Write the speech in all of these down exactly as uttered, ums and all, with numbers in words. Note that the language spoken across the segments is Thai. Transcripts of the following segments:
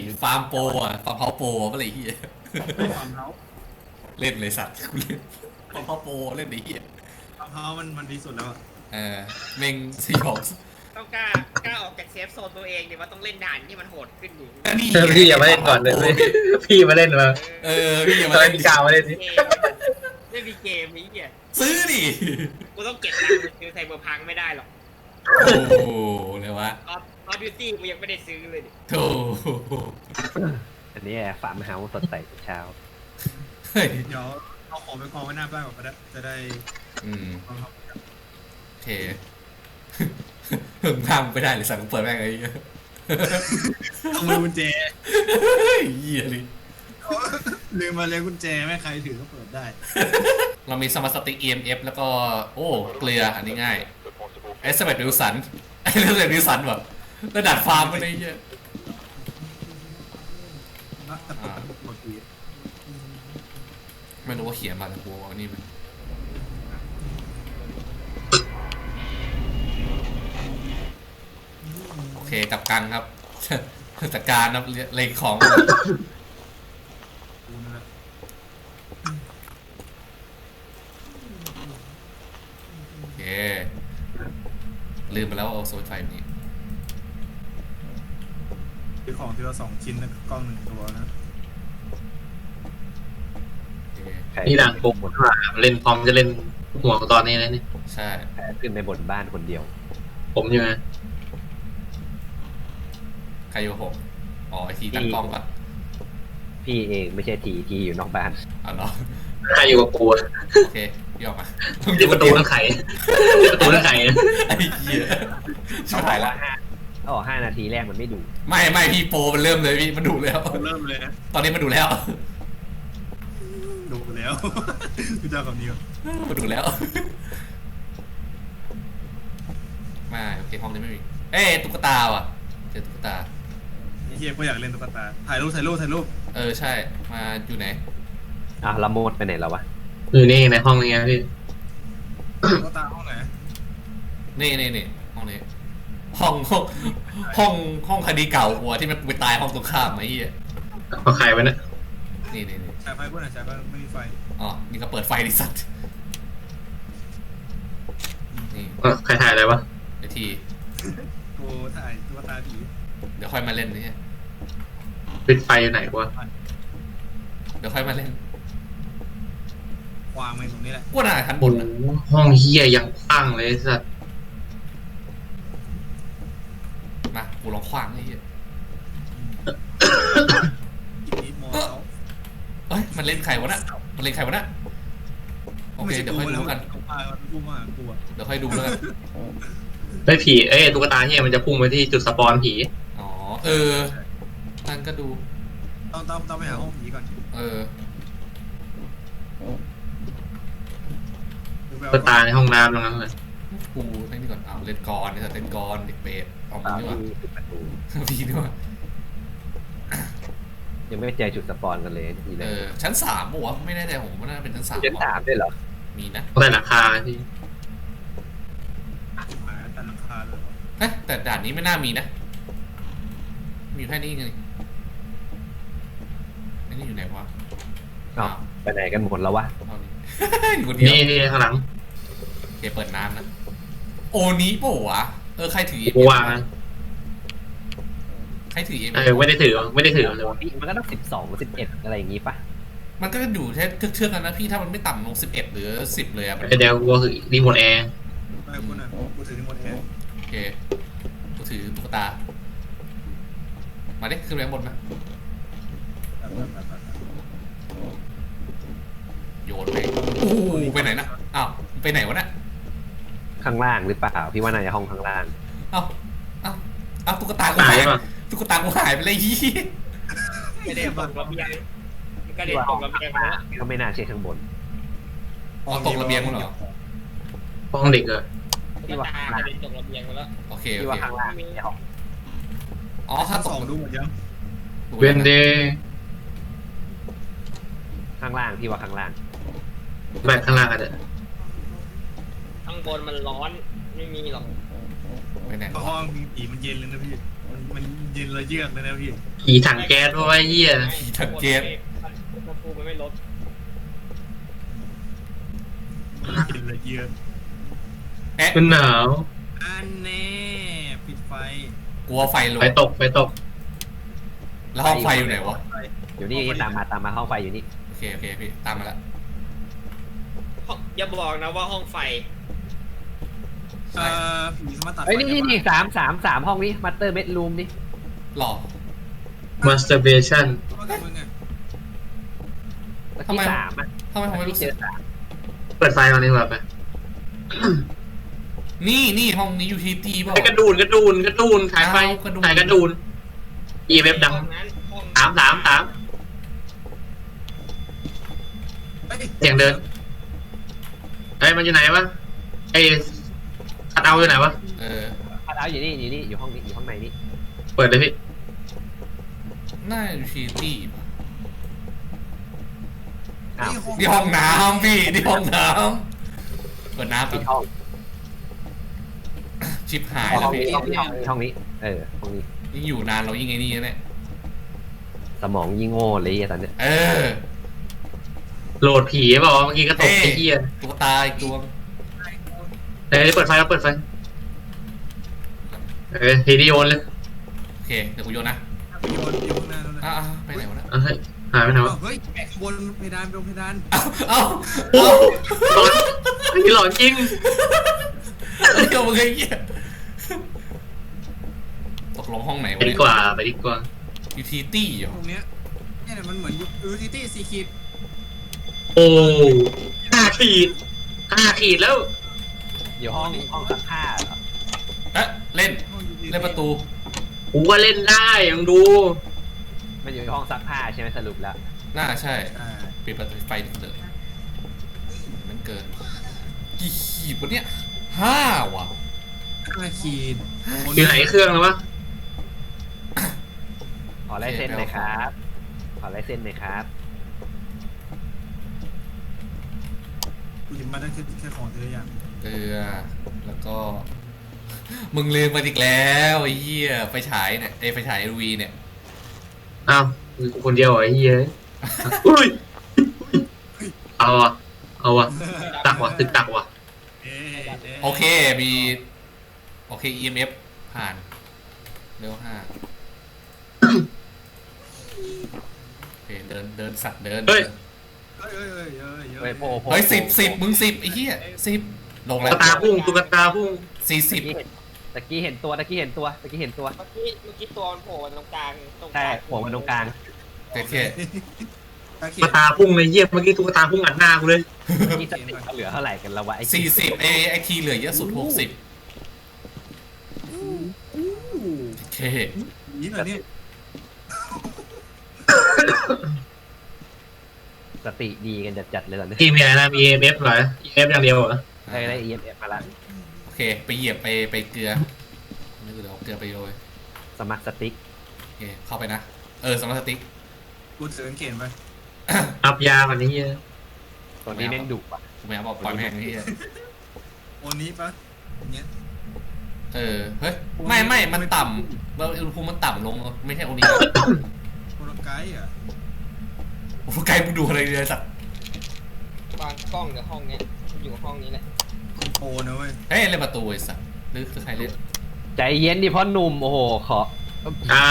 ฟาร์มโปรอ่ะฟาร์มเฮาโปรอะไรเฮียไม่ฟาร์มเฮาส์เล่นเลยสัตว์กูเล่นฟาร์มเฮาโปรเล่นไอ้เฮียฟาร์มเฮาส์มันมันดีสุดแล้วอะเออเมงสยองต้องกล้ากล้าออกจากเซฟโซนตัวเองดิว่าต้องเล่นด่านที่มันโหดขึ้นอยู่นี่พี่อย่ามาเล่นก่อนเลยพี่มาเล่นมาเออพี่อย่ามามาเล่เล่นนกาวมาเล่นสิเกมไม่มีเกมนี้เนี่ยซื้อดิกูต้องเก็บตังค์ไปซื้อไซเบอร์พังไม่ได้หรอกโอ้โหเลยวะออฟออฟบิวตี้กูยังไม่ได้ซื้อเลยดิโธ่อันนี้ฟาร์มเฮาส์สดใสทุกเช้าเฮ้ยเดี๋ยวเอาของไปกองไว้หน้าบ้านก่อนก็ได้จะได้อืมเอาเข้าไปโอเคเพิ่งทำไปได้เลยสั่งเปิดแม่งไอ้เหี้ยเอามือกุญแจเหี้ยเลยลืมมาเลยกุญแจไม่ใครถือก็เปิดได้เรามีสมาร์ทสติ๊ก อี เอ็ม เอฟ แล้วก็โอ้เกลืออันนี้ง่ายไอ้สมัยดิวสันไอ้สมัยดิวสันแบบระดับฟาร์มไปเลยเหี้ยนะแต่เปิดปกติไม่รู้ว่าเขียนมาแต่กูว่านี่มันโอเคจับกังครับ จัดการนะเลงของกูนั่นแหละโอเคลืมไปแล้วว่าเอาโซนไฟนี้ซื้อของทีละสองชิ้นนะกล้องหนึ่งตัวนะโอเคใครนี่ดังปุ๊บว่าเล่นพร้อมจะเล่นห่วงตอนนี้นะนี่ใช่แพ้ขึ้นในบนบ้านคนเดียวผมใช่ไหมใครอยู่ผมอ๋อไอทีตั้งกล้องปะพี่เองไม่ใช่ทีทีอยู่นอกบ้านอ๋อเนาะใครอยู่กับกูโอเคพี่ออกมาที่ประตูทั้งไข่ที่ประตูทั้งไข่ไอ้เหี้ยชิบหายละอ๋อห้านาทีแรกมันไม่ดูไม่ไม่พี่โปรมันเริ่มเลยพี่มันดูแล้วเริ่มเลยนะตอนนี้มันดูแล้วดูไปแล้ว กูจะเอาคำนี้ก่อนมันดูแล้วมาโอเคห้องนี้ไม่มีเอ้ยตุ๊กตาว่ะเจอตุ๊กตาไอ้เฮียก็อยากเล่นตุ๊กตาถ่ายรูปถ่ายรูปถ่ายรูปเออใช่มาอยู่ไหนอ่ะละโมดไปไหนแล้ววะอยู่นี่ในห้องนี้ไงพี่ตุ๊กตาห้องไหนนี่นี่นี่ห้องนี้ห้องห้องห้องห้องคดีเก่าหัวที่มันไปตายห้องตรงข้ามไอ้เหี้ยเอาใครไว้นะนี่นี่นี่ฉายไฟพวกไหนฉายไฟไม่มีไฟอ๋อนี่ก็เปิดไฟดิสัตว์นี่เออใครถ่ายอะไรวะไอทีกูถ่ายตุ๊กตาผีเดี๋ยวค่อยมาเล่นนี่ปิดไฟอยู่ไหนวะเดี๋ยวค่อยมาเล่นวางไว้ตรงนี้แหละกูน่าชั้นบโอ้นโหนะห้องเฮียยังกว้างเลยสัสมากูลองขวางไอ้เหี้ยอีกนิดมอเขาเอ้ยมันเล่นใครวะน่ะมันเล่นใครวะน่ะโอเคเดี๋ยวค่อยดูกันกูมากูมากูอ่ะเดี๋ยวค่อยดูแล้วกันไอ้ผีเอ้ยตุ๊กตาเฮียมันจะพุ่งไปที่จุดสปอนผีอ๋อเออนั่นก็ดูต้องต้องต้องไปหาห้องผีก่อนเออตุ๊กตาในห้องน้ำตรงนั้นเลยกูเล่นนี่ก่อนอ้าวเล่นกรนี่เล่นกรเด็กเปรตเอามึงดีกว่าที่ปิดประตูพี่ดีกว่ายังไม่เจอจุดสปอนกันเลยทีเอเลยอชั้นสามปะวะไม่แน่ใจผมว่าน่าจะเป็นชั้นสามชั้นสามด้วยเหรอมีนะต้องใส่หลังคาพี่หาแต่หลังคาเลยเฮ้ยแต่ด่านนี้ไม่น่ามีนะมีอยู่แค่นี้ไงไอ้นี่อยู่ไหนวะอ้าวไปไหนกันหมดแล้ววะเอานี่ อยู่คนเดียวนี่นี่ข้างหลังโอเคเปิดน้ำนะโอนี้ปะวะเออใครถือกูวางนะใครถือเอ็มเออไม่ได้ถือไม่ได้ถือเลยวะมันก็ต้องสิบสองสิบเอ็ดอะไรอย่างงี้ปะมันก็อยู่แค่เทือกๆกันนะพี่ถ้ามันไม่ต่ำลงสิบเอ็ดหรือสิบเลยอะมันเดี๋ยวกูถือรีโมทแอร์ไม่กูน่ะกูถือที่หมดแอร์โอเคกูถือตุ๊กตา มาดิขึ้นไปข้างบนมาโยนไปโอ้โหไปไหนนะอ้าวไปไหนวะเนี่ยข้างล่างหรือเปล่าพี่ว่าน่าจะห้องข้างล่างอ้าวอ้าวอ้าวตุ๊กตากูตาหาย ยป่ะตุ๊กตากูหายไปเลยยี่ไม่ได้ตกระเบียงมันก็เด็นตกระเบียงมาแล้วก็ไม่น่าใช่ข้างบนอ๋อตกระเบียงมั้งเหรอห้องเด็กเหรอพี่ว่าตาข้างกล่างระเด็นตกระเบียงมาแล้วโอเคพี่โอว่าเคข้างล่างไม่ใช่ห้องอ๋อถ้าชั้นตสอก งดูหมดยังดูเวนเดนะย์ข้างล่างพี่ว่าข้างล่างแบกข้างล่างกันเถอะข้างบนมันร้อนไม่มีหรอกไปไหนวะห้องมีผีมันเย็นเลยนะพี่มันมันเย็นระเยือกเลยนะพี่ผีถังแก๊สเพราะว่าเหี้ยผีถังเกมมันฟูมันไม่ลดเย็นระเยือกเอ๊ะมันหนาวอันแน่ปิดไฟกลัวไฟลงไฟตกไฟตกแล้วห้องไฟอยู่ไหนวะอยู่นี่ตามมาตามมาห้องไฟอยู่นี่โอเคโอเคพี่ตามมาละห้องอย่าบอกนะว่าห้องไฟเอ่อผีสามารถตัดไฟเฮ้ยนี่นี่นี่ได้สามสามสามห้องนี้มาสเตอร์เบดรูมนี่หล่อ masturbation ว่ากับมึงอะเมื่อทำไมกี้สามอ่ะทำไมผมไม่รู้เจสึกอสามเปิดไฟก่อนดีกว่าไปนี่นี่ห้องนี้ยูทีตีเปล่าไอ้กระดูนกระดูนกระดูนถ่ายไฟเอากระดูนถ่ายกระดูน อี เอฟ ดังห้องนั้นห้องสามสามสามอ้เสียงเดิน เฮ้ยมันอยู่ไหนวะไอ้คัดเอาอยู่ไหนวะเออพัดเอาอยู่นี่อยู่นี่อยู่ห้องนี้อยู่ห้องในนี่เปิดเลยพี่หน้ายูทีตีอ้าวนี่ห้องน้ำพี่นี่ห้องน้ำเปิดน้ำปิแบดบห้องชิปหายห้แล้วองพี่นี้ห้องนี้ห้องนี้ห้องนี้เออห้องนี้ยิ่งอยู่นานเรายิ่งไอ้นี่นะเนี่ยสมองยิ่งโง่เลยไอ้ตอนเนี้ยเออโหลดผีเปล่าวะเมื่อกี้ก็ตกไอ้เหี้ยตัวตาอีกตัวเฮ้ยเปิดไฟแล้วเปิดไฟเออทีดีโอนเลยโอเคเดี๋ยวกูโยนนะโยนอยู่ข้างหน้าแล้วนะอ่าไปไหนวะนะเอาเฮ้ยหายไปไหนวะเฮ้ยแปะบนเพดานบนเพดานเอ้าเอ้าโอ้หลอนไอ้หลอนจริงเอ้ามึงไอ้เหี้ยตกลงห้องไหนไปวะดีเนี่ยกว่าไปดีกว่ายูทีตี้เหรอตรงเนี้ยเนี่ยมันเหมือนยูทิตี้ซีคิดโอ้ห้าขีดห้าขีดแล้วอยู่ห้องห้องซักผ้าเหรอเอ๊ะเล่นเล่นประตูกูก็เล่นได้ยังดูมันอยู่ห้องซักผ้าใช่ไหมสรุปแล้วน่าใช่อ่าปิดประตูไฟเลยมันเกินกี่ขีดวะเนี่ยห้าวะห้าขีดอยู่ไหนเครื่องแล้ววะขอลายเส้นหน่อยครับขอลายเส้นหน่อยครับกูหยิบมาได้แค่แค่ของเธออย่างเกลือแล้วก็ มึงลืมมาอีกแล้วไอ้เหี้ยไฟฉายเนี่ยไอ้ไฟฉายเอลวีเนี่ยอ้าวมีกูคนเดียวเหรอไอ้เหี้ยอุ้ยเอาวะเอาวะตักวะตึกตักวะเอ๊ะะโอเคมีโอเค อี เอ็ม เอฟ ผ่านเร็วห้าโอเคเดินเดินสัตว์เดินเฮ้ยเฮ้ยเฮ้ยเฮ้ยเฮ้ยเฮ้ยโพโพเฮ้ยสิบสิบมึงสิบไอ้เหี้ยสิบลงตุ๊แล้กวตาพุ่งตุ๊กตาพุ่งสี่สิบตะกี้เห็นตะกี้เห็นตัวตะกี้เห็นตัวตะกี้เห็นตัวเมื่อกี้เมื่อกี้ตัวมันโผล่มาตรงกลางตรงกใช่ลางหัวมันตรงกลางโอเคตาเขีตุ๊ยกตาพุ่งเลยเยี่ยมเมื่อกี้ตุ๊กตาพุ่งอัดหน้ากูเลยนี่สติเหลือเท่าไหร่กันแล้ววะไอ้สี่สิบไอไอทีเหลือเยอะสุดหกสิบโอเคนี่เหรอเนี่ยสติดีกันจัดๆเลยตอนนี้ที่มีอะไรนะมี เอ เอฟ เหรอ อี เอ เอฟ อย่างเดียวเหรอได้ได้ อี เอ็ม เอฟ มาละโอเคไปเหยียบไปไปเกลือนี่คือเดี๋ยวเอาเกลือไปโรยสมัครสติ๊กโอเคเข้าไปนะเออสมาร์ทสติ๊กกูถือสังเกตไปอัพยาวันนี้เหี้ยตัวนี้แม่งดุว่ะกูไม่เอาบอกปล่อยแม่งไอ้เหี้ยโอนี้ปะเนี้ยเออเฮ้ยไม่ไม่มันต่ำเราอุณหภูมิมันต่ำลงไม่ใช่โอนี้โปรไกด์อ่ะโอ้ไกลมึงดูอะไรเลยสัตว์วางกล้องเดี๋ยวห้องเนี้ยอยู่ห้องนี้แหละโปรนะเว้ยเฮ้ยเล่นประตูไอ้สัตว์หรือคือใครเล่นใจเย็นดิพ่อหนุ่มโอ้โหขออ่า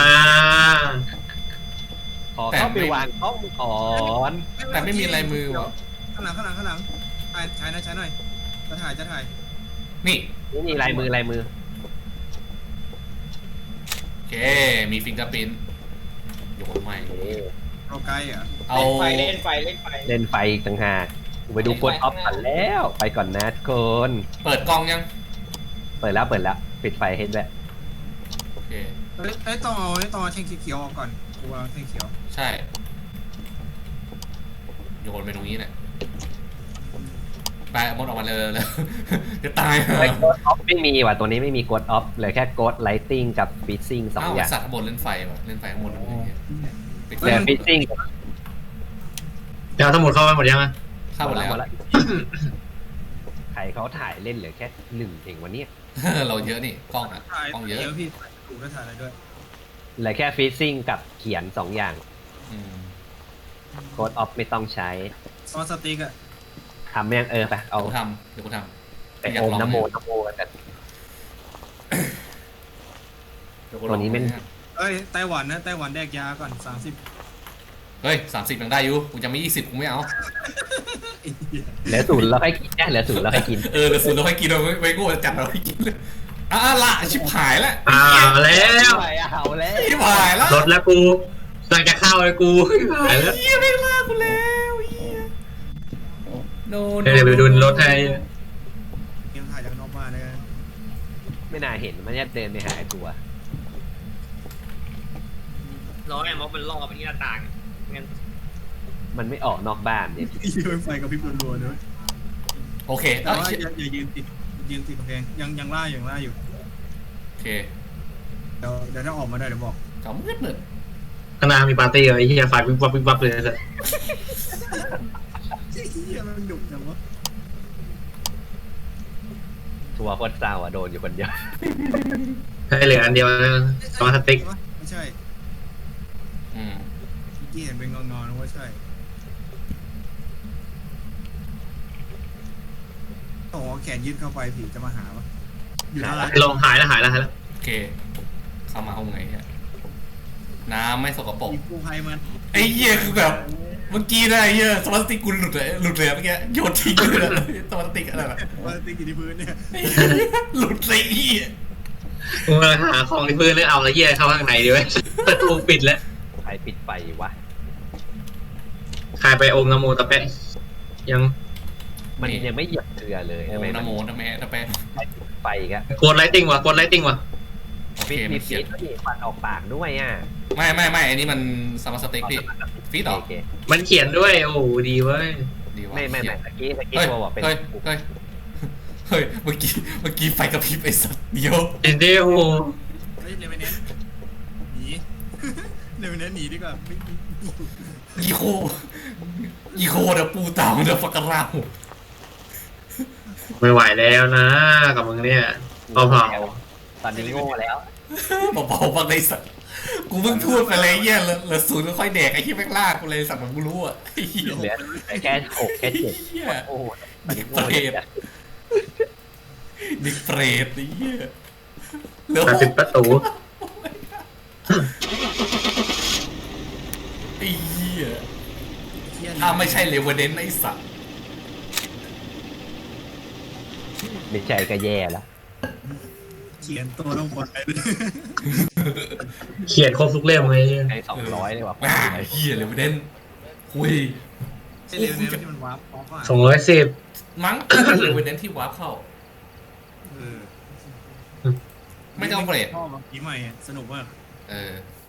ขอเข้าไปวางห้องก่อนแต่ไม่มีลายมือว่ะข้างหลังข้างหลังข้างหลังถ่ายถ่ายนะใช้หน่อยจะถ่ายจะถ่ายนี่นี่นี่ลายมือลายมือโอเคมีฟิงเกอร์พิ้นโยนใหม่เอ๊ะโปรไกด์อ่ะเอาเล่นไฟเล่นไฟเล่นไฟเล่นไฟอีกต่างหากกูไปดูกดออฟก่อนแล้วไปก่อนนะทุกคนเปิดกล้องยังเปิดแล้วเปิดแล้วปิดไฟเห็นแล้วโอเคเอ้ยเอ้ยต้องเอาเอ้ยต้องเอาแท่งเขียวๆออกก่อนกูเอาแท่งเขียวใช่โยนไปตรงนี้แหละไปเอามดออกมาเลยเลยจะตายไอ้กดออฟไม่มีว่ะตัวนี้ไม่มีกดออฟเหลือแค่กดไลติงกับฟิซซิ่งสองอ้าวอย่างสัตว์ข้างบนเล่นไฟว่ะเล่นไฟข้างบนอะไรอย่างเงี้ยปิดเหลือฟิซซิ่งเดี๋ยวทั้งหมดเข้าไปหมดยังอ่ะเข้าหมดแล้วหมดแล้วใครเขาถ่ายเล่นเหลือแค่หนึ่งเองวันนี้เราเยอะนี่กล้องอ่ะถ่ายกล้องเยอะเดี๋ยวพี่ถูกก็ถ่ายอะไรด้วยเหลือแค่ฟีซิ่งกับเขียนสองอย่างอืมโกดออฟไม่ต้องใช้ซอสสติ๊กอะทำไม่ยังเออไปเอาเดี๋ยวกูทำเดี๋ยวกูทำไปโอมน้ำโมน้ำโมแต่เดี๋ยกูตัวนี้แม่งเอ้ยไต้หวันนะไต้หวันแดกยาก่อนสามสิบเฮ้ยสามสิบยังได้อยู่กูจะไม่ยี่สิบกูไม่เอาเหลือศูนย์แล้วให้กินแค่เหลือศูนย์แล้วให้กินเออเดี๋ยวสุดเราให้กินเราไม่ไม่กูจะจัดเราให้กินเลยอ่ะละชิบหายแล้วอ่าแล้วไปเอาแล้วชิบหายแล้วรถแล้วกูกำลังจะเข้าเลยกูหายแล้วเฮียไม่ลากูแล้วเฮียโนเดี๋ยวไปดูรถให้เกมถ่ายจากนอกบ้านเลยไม่น่าเห็นมันจะเดินไปหาไอ้ตัวร้อยม็อบมันล่อไปที่หน้าต่างงั้นมันไม่ออกนอกบ้านเนี่ยยืนไฟกับพริบรัวๆด้วยโอเคแต่เอ้าว่าเชี่ยอย่าอย่ายืนติดยืนติดกำแพงยังยังล่าอยู่ยังล่าอยู่โอเคเดี๋ยวเดี๋ยวถ้าออกมาได้เดี๋ยวบอกจอมมืดมืดข้างหน้ามีปาร์ตี้เหรอไอ้เหี้ยไฟวิบวับวิบวับเลยนะเฮียมันดุจังวะทัวร์โคตรเศร้าอ่ะโดนอยู่คนเดียวให้เหลืออันเดียวนะซอสสติ๊กไม่ใช่อืมเมื่อกี้เห็นเป็นงอนๆนะว่าใช่โอ้โหแขนยืดเข้าไปผีจะมาหาปะอยู่อะไรลงหายแล้วหายแล้วหายแล้วโอเค เข้ามาห้องไหนเนี่ยน้ำไม่สกปรกผีกู้ภัยมันไอ้เหี้ยคือแบบเมื่อกี้นะไอ้เหี้ยสมาร์ทสติ๊กกูหลุดเลยหลุดเลยเมื่อกี้โยนทิ้งไปเลยสมาร์ทสติ๊กอะไรแบบว่าติดอยู่ที่พื้นเนี่ยไอ้เหี้ยหลุดเลยไอ้เหี้ยกูมาหาของที่พื้นเลยเอาแล้วเหี้ยเข้าข้างในดีไว้ยประตูปิดแล้วใครปิดไฟวะใครไปอมน้ำโมตะแปะยังมันยังไม่เหยียบเกลือเลยโอ้ทำไมนะโมนะแม่นะแม่ไฟอีกอะกดไลติ้งว่ะกดไลติ้งว่ะโอเคฟีดมัมีนเขีฟียนดนี่ฟันออกปากด้วยอ่ะไม่ไม่ไม่อันนี้มันสมาร์ทสติ๊กพี่ฟีดหรอโอเคมันเขียนด้วยโอ้โหดีเว้ยดีวะไม่ไม่ไม่เขียนตะกี้ตะกี้เฮ้ยตัวบอกเป็นเฮ้ยเฮ้ยเฮ้ยเมื่อกี้เมื่อกี้ไฟกระพริบไอ้สัตว์เดียวจริงดิโอ้โหเฮ้ยเลเวนเนนหนี เลเวนเนนหนีดีกว่าไม่อีโคอีโคเดอะปูเต่าเดอะฟักกะราหูไม่ไหวแล้วนะกับมึงเนี่ยเอาเผาตอนนี้โง่แล้วเบาๆบ้างเลยสัตว์กูเพิ่งพูดไปเลยเหี้ยเหลือเหลือศูนย์ก็ค่อยแดกไอ้ที่แม่งลากกูเลยสัตว์เหมือนกูรู้อ่ะไอ้เหี้ยเหลือแค่หกแค่เจ็ดเหี้ยโอ้โหตอนนี้เปโง่รเลยตดิเปรตไอ้เหี้ยเหลือตัดหปิดกประตูไอ้เหี้ยเหี้ยถ้าไม่ใช่เลเวเดนไอ้สัตว์ไม่ใช่ก็แย่แล้วเขียนตัวลงบนไปเลยเขียนครบทุกเล่มเลยให้สองร้อยเลยว่ะอ่าเหี้ยเลเวเดนคุยไอ้เลเวนเนนที่มันวาร์ปออฟอ่ะสองร้อยสิบมั้งเลเวเดนที่วาร์ปเข้าเออไม่ต้องเปรตพ่อมาผีใหม่อะสนุกมากเออ